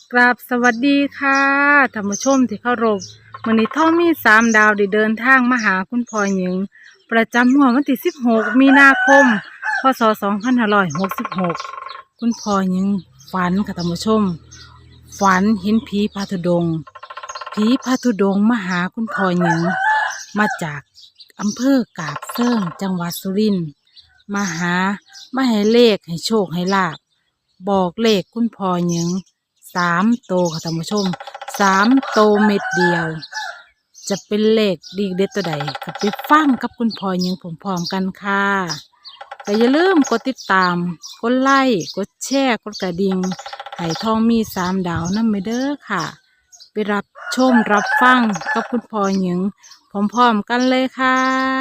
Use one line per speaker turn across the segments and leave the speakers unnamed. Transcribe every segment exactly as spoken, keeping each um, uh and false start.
กราบสวัสดีค่ะท่านผู้ชมที่เคารพมื้อนี้ท่อมีสามดาวได้เดินทางมาหาคุณพ่อหญิงประจำงวดวันที่สิบหกมีนาคมพศสองพันห้าร้อยหกสิบหกคุณพ่อหญิงฝันค่ะท่านผู้ชมฝันเห็นผีพาธุดงค์ผีพาธุดงค์มาหาคุณพ่อหญิงมาจากอำเภอกาบเซิงจังหวัดสุรินทร์มาหามาให้เลขให้โชคให้ลาภบอกเลขคุณพ่อหญิงสามโตวค่ะท่านผู้ชมสามโตวเม็ดเดียว จะเป็นเลขดีเด็ดตัวใดก็ไปฟังกับคุณพ่อหญิงพร้อมๆกันค่ะแต่อย่าลืมกดติดตามกดไลค์กดแชร์กดกระดิ่งให้ทองมีสามดาวนั่นไปเด้อค่ะ ไปรับชมรับฟังกับคุณพ่อหญิงพร้อมๆกันเลยค่ะ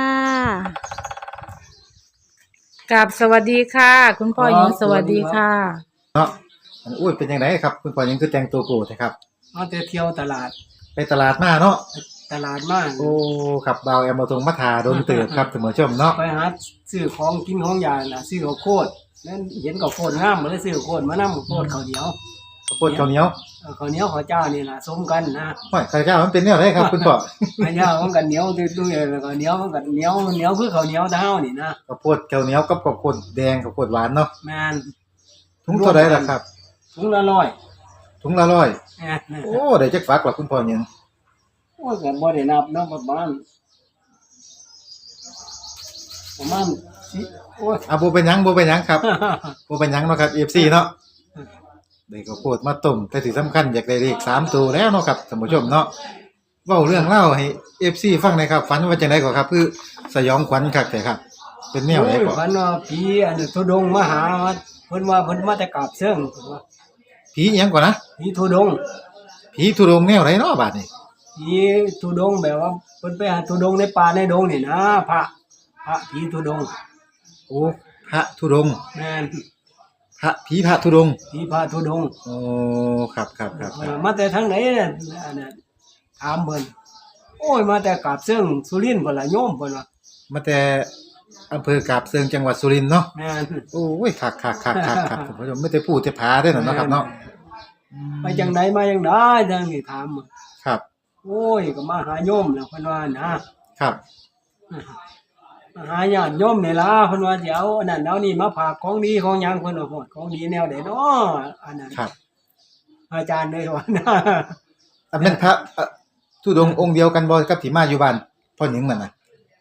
กับสวัสดีค่ะ คุณพ่อหญิงสวัสดีค่ะ
เนาะอันอุ้ยเป็นยังไงครับคุณพ่อยังคือแต่งตัวโกรธครับ
มาแต่เที่ยวตลาด
ไปตลาดมาเนาะ
ตลาดมาก
โอ้ครับบ่าวแอมมาตรงมาทาโดนเติบครับท่านผู้ชมเนาะ
ไปหาซื้อของกินของยาน่ะซื้อข้าวโพดนั่นเห็นข้าวโพดงามมาเลยซื้อข้าวโพดมานำข้าวโพดข้าวเหนียว
ข้าวโพดข้าวเหนียว
เออข้าวเหนียวข้าวเจ้านี่ล่ะสมกันนะ
ห้อยข้าวเจ้ามันเป็นแนวไหนครับคุณพ่อ
ข้าวเหนียวมันก็เหนียวตุ้ยๆแล้วก็เหนียวมันก็เหนียวเหนียวคือข้าวเหนียวแต่เฮานี่นะ
ข้าวโพดข้าวเหนียวกับข้าวโพดแดงข้าวโพดหวานเนาะ
แม่น
ถุงเท่าไหร่ล่ะครับ
ถุงละร้อย
ถุงละร้อย
แม่น
โอ้ได้จักฝักล่ะคุณพ่อยัง
โอ้ก็บ่ได้นับเนาะประมาณประมาณสิโอ้ย
อ่ะบ่เป็นหยังบ่เป็นหยังครับบ่เป็นหยังเนาะครับ เอฟ ซี เนาะได้ข้าวโพดมาต้มแต่ที่สำคัญอยากได้เลขสามตัวแล้วเนาะครับท่านผู้ชมเนาะเว้าเรื่องเล่าให้ เอฟ ซี ฟังหน่อยครับฝันว่าจังได๋ก็ครับคือสยองขวัญคักแต่ครับเป็นแนวไหนก็
ฝันว่าผีอันทุดงค์มาหาเพิ่นว่าเพิ่นมาแต่กราบเชิงเพิ่นว่า
ผีอิหยังก่อนนะ
ผีทุดงค์
ผีทุดงค์แนวไหนเนาะบาดนี้
ผีทุดงค์แบบว่าเพิ่นไปหาทุดงค์ในป่าในดงนี่นะพระพระผีทุดงค์
โอ้พระธุดงค์
แม่น
พระผีพระธุดงค์
ผีพระทุดงค์
โอ้ครับๆๆ
ๆมาแต่ทางไหนน่ะอันนั้นถามเพิ่นโอ้ยมาแต่กราบเชิงสุรินทร์พุ่นล่ะโยมเพิ่นว่า
มาแต่อำเภอกาบเชิงจังหวัดสุรินทร์เนาะ
แม่น
โอ้ยคักๆๆๆครับท่านผู้ชมไม่ได้พูดแต่ผาเด้อเนาะครับเนาะ
ไปจังไดมาจังไดจังนี่ถาม
ครับ
โอ้ยก็มาหาโยมแล้วเพิ่นว่านะครับมาหาญาติโยมนี่ล่ะเพิ่นว่าสิเอาอันนั้นเอานี่มาฝากของดีของหยังเพิ่นว่าโหดของดีแนวใดเนาะอันนั้น
ครับ
อาจารย์เลยว่านะ
อันนั้นพระธุดงค์องค์เดียวกันบ่กับที่มาอยู่บ้านพ่อหญิงนั่นน่ะ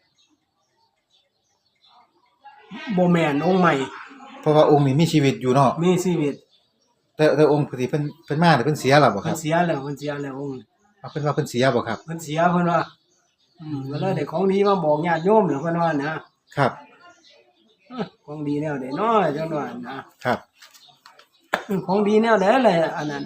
บ่แม่นองค์ใหม่
เพราะว่าองค์นี้มีชีวิตอยู่เนาะ
มีชีวิต
แต่แต่องค์ที่เพิ่นเพิ่นมาเนี่ยเพิ่นเสียแล้วบ่ค
เพิ่
รั
น
บ
เสียแล้วเพิ่นเสียแล้วองค์
เอาเพิ่นว่าเพิ่นเสียบ่ครับ
เพิ่นเสียเพิ่นว่าอืมก็เลยได้ของดีมาบอกญาติโยมแล้วเพิ่นว่านะครับของดีแนวใดเนาะจังว่านะครับของดีแนวใดแหละอันนั้น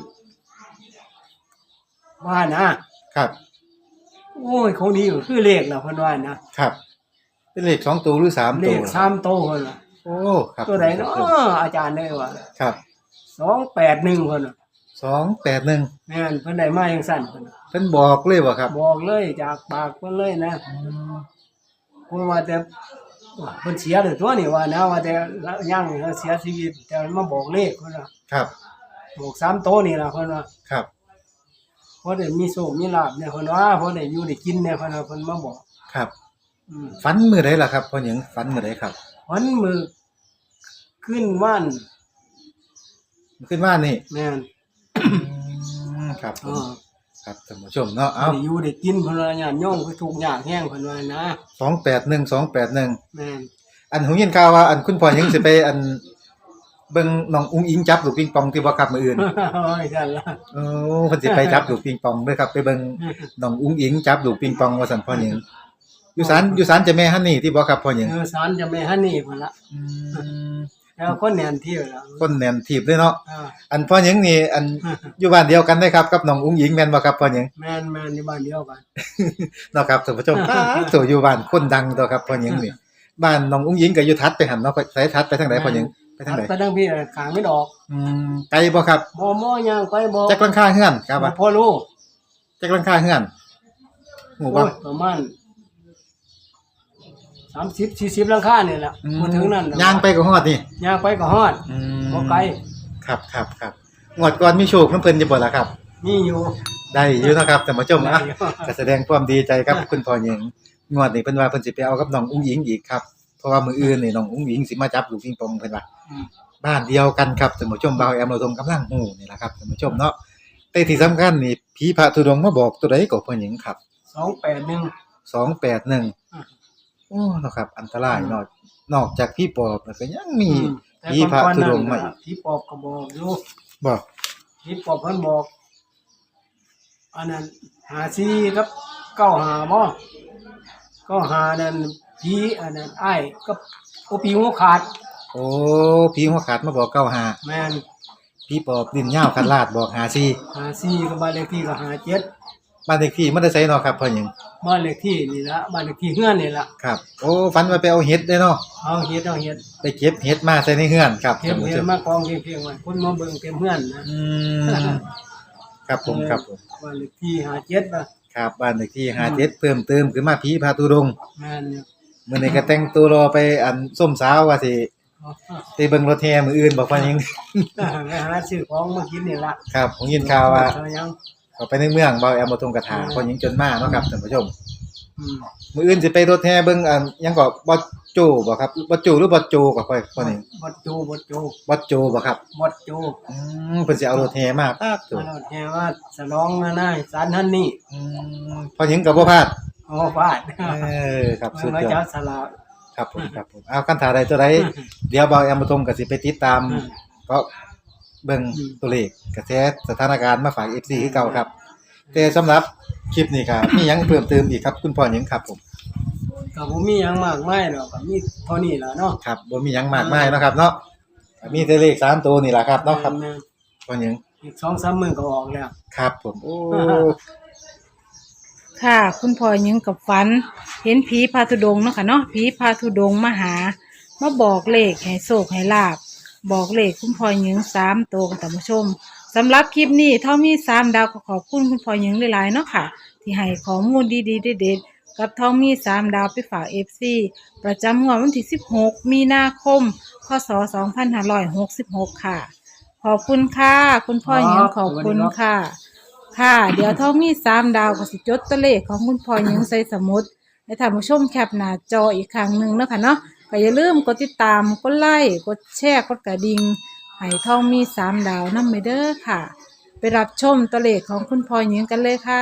ว่านะครับโอ้ยของดีก็คือเลขล่ะเพิ่นว่านะครับ
เป็นเลขสองตัวหรือสามตัว
เลขสามตัวเพิ่นว่า
โอ้ครับ
ตัวใดเนาะอาจารย์ได้ว่า
ครับ
สองแปดหนึ่งเพิ่นน่ะ
สองแปดหนึ่ง
แม่นเพิ่นได้มาจังซั่นเพิ่น
เพิ่นบอกเลยบ่ครับ
บอกเลยจากปากเพิ่นเลยนะเพิ่นว่าแต่เพิ่นเสียแล้วตัวนี่ว่านะว่าแต่ยังเสียชีวิตแต่มาบอกเลขเพิ่นว่า
ครับ
บอกสามตัวนี่ล่ะเพิ่นว่า
ครับ
พอได้มีโชคมีลาภเนี่ยเพิ่นว่าพอได้อยู่ได้กินเนี่ยเพิ่นว่าเพิ่นมาบอก
ครับอืมฝันมื้อใดล่ะครับพ่อหญิงฝันมื้อใดครับ
ฝันมื้อขึ้นว่าน
ขึ้นว่านนี่
แม่น
ครับผมครับท่านผู้ชมเนาะเอ้า
ได้อยู่ได้กินเพิ่นว่าญาติโยมคือทุกข์ยากแฮงเพิ่นว่านะ
สองแปดหนึ่ง สองแปดหนึ่ง
แม่น
อันหูยินข่าวว่าอันคุณพ่อหญิงสิไปอันเบิ่งน้องอุ๋งอิงจับลูกปิงปองที่บ่ครับมื้ออื่น
โอ้ยซั่นล่ะ
โอ้เพิ่นสิไปจับลูกปิงปองเด้อครับไปเบิ่งน้องอุ๋งอิงจับลูกปิงปองว่าซั่นพ่อหญิงอยู่ศาลอยู่ศาลเจ้าแม่ฮันนี่ที่บ่ครับพ่อหญิง
เออศาลเจ้าแม่ฮันนี่พุ่นล่ะอืมแล้วคนแน่นที่แล้ว
คนแน่นทีบเลยเนาะ
อา
อันพ่อหญิงนี่อันอยู่บ้านเดียวกันได้ครับกับน้องอุ๋งอิงแม่นบ่ครับพ่อหญิง
แม่นๆอยู่บ้านเดียวกัน
เนาะครับท่านผู้ชมโตอยู่บ้านคนดังตัวครับพ่อหญิงนี่บ้านน้องอุ๋งอิงก็อยู่ทัดไปหั่นเนาะไสทัดไปทางใดพ่อหญิงไปทางใด
ไปทางพี่ข้างไม่ดอก
อืมไกลบ่ครับ
บ่ม่อย่างไปบ่
จักหลังคาเฮือนครับว่า
พอรู้
จักหลังคาเฮือนฮู้บ่
ประมาณสามสิบ สี่สิบหลังคานี่แหละบ่ถึงนั้น
ย่างไปก็ฮอดนี่
ย่างไปก็ฮอด
อืม
บ่ไกล
ครับๆๆงวดก่อนมีโชคนำเพิ่นอยู่บ่ล่ะครับ
มีอยู่
ได้อยู่เนาะครับท่านผู้ชม
ได้
นะ
อยู่
ก็แสดงความดีใจกับคุณพ่อหญิงงวดนี้เพิ่นว่าเพิ่นสิไปเอากับน้องอุ้งอิงอีกครับเพราะว่ามื้ออื่นนี่น้องอุ้งอิงสิมาจับลูกปิงปองเพิ่นว่า
อืม
บ้านเดียวกันครับท่านผู้ชมบ่าวแอมเราทงกำลังฮู้นี่ล่ะครับท่านผู้ชมเนาะแต่ที่สำคัญนี่ผีพระธุดงค์มาบอกตัวใดก็พ่อหญิงครับ
สองแปดหนึ่ง
สองแปดหนึ่ง
อืม
โอ้เนาะครับอันตรายเนาะนอกจากผีปอบแล้วก็ยังมี
อืมแต่
ผีพระธุดงค์มา
ก่อนๆ
อี
นั่
ก
นผีปอบก็บอกอยู่
บ่
ผีปอบเพิ่นบอกอันนั้นหาซีกับเก้าหาบ่เก้าหานั่นผีอันนั้นอ้ายกับโอปีหัวขาด
โอ้ผีหัวขาดมาบอกเก้าห้า
แม่น
ผีปอบดินยาวคันลาดบอกห้าสี่
หาซีกับบ้านเลขที่ก็หาเจ็ด
บ้านเลขที่มันได้ใส่เนาะครับพ่อหญิง
บ้านเลขที่นี่ละบ้านเลขที่เฮือนนี่ละ
ครับ โอ้ฝันว่าไปเอาเห็ดได้เนาะ
เอาเฮ็ดเอาเฮ็ด
ไปเก็บเห็ดมาใส่ในเฮือนครับ
เฮ็ด
ท่านผู้
เฮ็
ช
ด
ม
มากองเพียงๆไว้คนมาเบิ่งเต็มเฮือนนะ
อืมครับผมครับผม
บ้านเลขที่หาเจ็ดน่ะ
ครับบ้านเลขที่ห้าเจ็ดเพิ่มเติมขึ้นมาผีพาตุดงค์
แม่นอยู่
มื้อนี้ก็แต่งตัวรอไปอันส้มสาวว่าสิ
เอา
ไปเบิ่งรถแห่มื้ออื่นบ่พ่อหญิง
ไปหาซื้อของมากินนี่ละ
ครับผมยินข่าวว่า
เอยัง
เขาไปในเมืองบ่าวแอมบ่ทงกระถาพ่อหญิงจนมาเนาะครับท่านผู้ชม
อืม
มื้ออื่นสิไปรถแห่เบิ่งอันหยังก็บ่โจบ่ครับบ่โจหรือบ่โจก็ค่อยพ่อหญิง
บัดโจบัดโจ
บ่โจบ่ครับ
บัดโจ
อืมเพิ่นสิเอารถแห่มาปาดโจ
มาแล้วแค่ว่าสลองนะนายสารท่านนี่
อืมพ่อหญิงก็บ่พลาด
โอ้ฟาด
เออครับสุด
มาย
อ
จั
ด
บสลาก
ครับผมครับผมเอาคันถาใดตัวใดเดี๋ยวบ่าวแอมบ่ทงก็สิไปติดตาม
อืม
ก็เบิ่ง
อืม
ตัวเลขกระแสสถานการณ์มาฝาก เอฟ ซี คือเก่าครับ แต่สำหรับคลิปนี้ครับมีหยังเพิ่มเติมอีกครับคุณพ่อหยังครับผม
ก็บ่มีหยังมากมายดอกก็มีเท่านี้ล่ะเนาะ
ครับบ่มีหยังมากมายเนาะครับเนาะก็มีแต่เลขสามตัวนี่ล่ะครับเนาะครับ
แม่น
พ่อหยัง
ๆอีก สองสาม มื้อก็ออกแล้ว
ครับผมโอ้
ค่ะ คุณพ่อหญิงกับฝัน เห็นผีพาธุดงค์เนาะค่ะเนาะผีพาธุดงค์มาหามาบอกเลขให้โชคให้ลาบบอกเลขคุณพ่อหญิงสามตัวกับท่านผู้ชมสำหรับคลิปนี้เท่ามีสามดาวก็ขอบคุณคุณพ่อหญิงหลายๆเนาะค่ะ ที่ให้ข้อมูลดีๆเด็ดๆกับทองมีสามดาวไปฝากเอฟซีประจำงวดวันที่สิบหกมีนาคมพศสองพันห้าร้อยหกสิบหกค่ะ ขอบคุณค่ะ คุณพ่อหญิงขอบคุณค่ะ ค่ะ เดี๋ยวทองมีสามดาวก็สิจดตัวเลขของคุณพ่อหญิงใส่สมุดให้ท่านผู้ชมแคปหน้าจออีกครั้งหนึ่งเนาะค่ะเนาะก็อย่าลืมกดติดตามกดไลค์กดแชร์กดกระดิ่งให้ทองมีสามดาวนำไปเด้อค่ะ ไปรับชมตัวเลขของคุณพ่อหญิงกันเลยค่ะ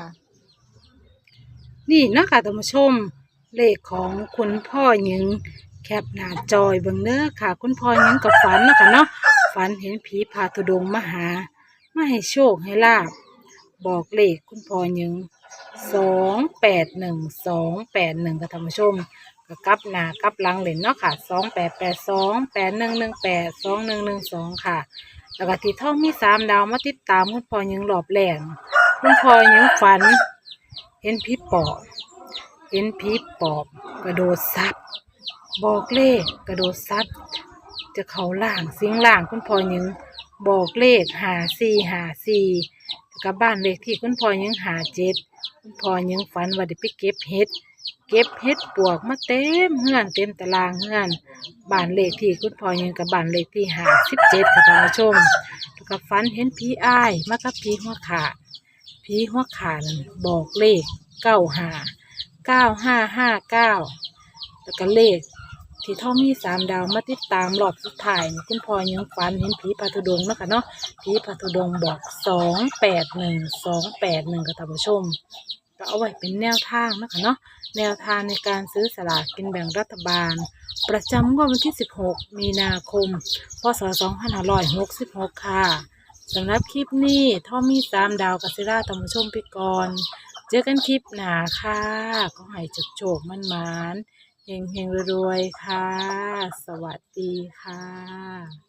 นี่เนาะคะท่านผู้ชมเลขของคุณพ่อหญิงแคปหน้าจอยเบิ่งเด้อค่ะ คุณพ่อหญิงกับฝันเนาะค่ะเนาะฝันเห็นผีพาธุดงค์มาหามาให้โชคให้ลาบบอกเลขคุณพ่อหญิงสองแปดหนึ่งสองแปดหนึ่งค่ะท่านผู้ชมก็กลับหน้ากลับหลังเล่นเนาะค่ะสองแปดแปดสองแปดหนึ่งหนึ่งแปดสองหนึ่งหนึ่งสองค่ะ แล้วก็ที่ท่องมีสามดาวมาติดตามคุณพ่อหญิงรอบแรกคุณพ่อหญิงฝัน เห็นผีปอบเห็นผีปอบกระโดดซับบอกเลขกระโดดซับจะเข้าล่างสิงล่างคุณพ่อหญิงบอกเลขหาสี่หาสี่กับบ้านเลขที่คุณพ่อหญิงหาเจ็ดคุณพ่อหญิงฝันว่าได้ไปเก็บเห็ดเก็บเห็ดปวกมาเต็มเฮือนเต็มตารางเฮือนบ้านเลขที่คุณพ่อหญิงกับบ้านเลขที่หาสิบเจ็ดค่ะท่านผู้ชมแล้วก็ฝันเห็นผีอ้ายมากับผีหัวขาดผีหัวขาดนั่นบอกเลขเก้าห้าเก้าห้าห้าเก้าแล้วก็เลขที่ท่อมีสามดาวมาติดตามรอบสุดท้ายนี่คุณพ่อยังฝันเห็นผีพาธุดงค์เนาะค่ะเนาะผีพาธุดงค์บอกสองแปดหนึ่งสองแปดหนึ่งค่ะท่านผู้ชมก็เอาไว้เป็นแนวทางเนาะค่ะเนาะแนวทางในการซื้อสลากกินแบ่งรัฐบาล ประจำงวดวันที่สิบหกมีนาคมพศสองพันห้าร้อยหกสิบหกค่ะสำหรับคลิปนี้ท่อมีสามดาวกัสิราท่านผู้ชมไปก่อนเจอกันคลิปหน้าค่ะก็ให้จุกโจกมันมานๆเฮงเฮงรวยๆค่ะ สวัสดีค่ะ